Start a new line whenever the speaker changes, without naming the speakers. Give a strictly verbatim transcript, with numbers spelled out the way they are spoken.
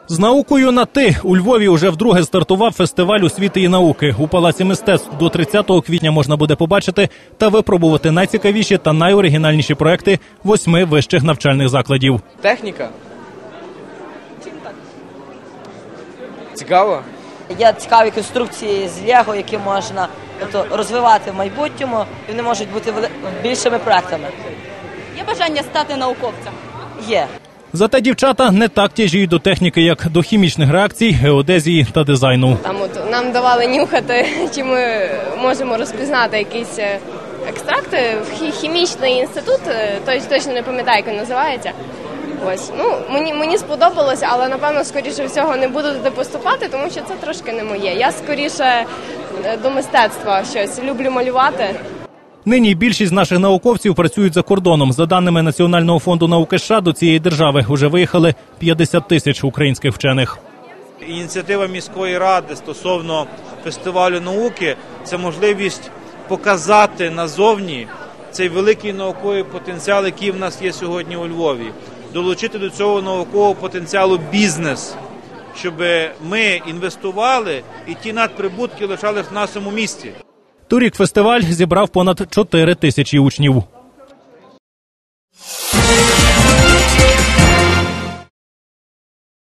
З наукою на «ти» у Львові уже вдруге стартував фестиваль освіти і науки. У Палаці мистецтв до тридцятого квітня можна буде побачити та випробувати найцікавіші та найоригінальніші проекти восьми вищих навчальних закладів.
Техніка. Цікаво.
Є цікаві конструкції з Лего, які можна тобто, розвивати в майбутньому, і вони можуть бути більшими проектами.
Є бажання стати науковцем?
Є.
Зате дівчата не так тяжіють до техніки, як до хімічних реакцій, геодезії та дизайну.
Там от нам давали нюхати, чи ми можемо розпізнати якісь екстракти. Хімічний інститут, точно не пам'ятаю, як він називається. Ось, ну, мені, мені сподобалося, але, напевно, скоріше всього не буду туди поступати, тому що це трошки не моє. Я скоріше до мистецтва щось, люблю малювати.
Нині більшість наших науковців працюють за кордоном. За даними Національного фонду науки США, до цієї держави вже виїхали п'ятдесят тисяч українських вчених.
Ініціатива міської ради стосовно фестивалю науки – це можливість показати назовні цей великий науковий потенціал, який в нас є сьогодні у Львові. Долучити до цього наукового потенціалу бізнес, щоб ми інвестували і ті надприбутки лишались в нашому місті.
Торік фестиваль зібрав понад чотири тисячі учнів.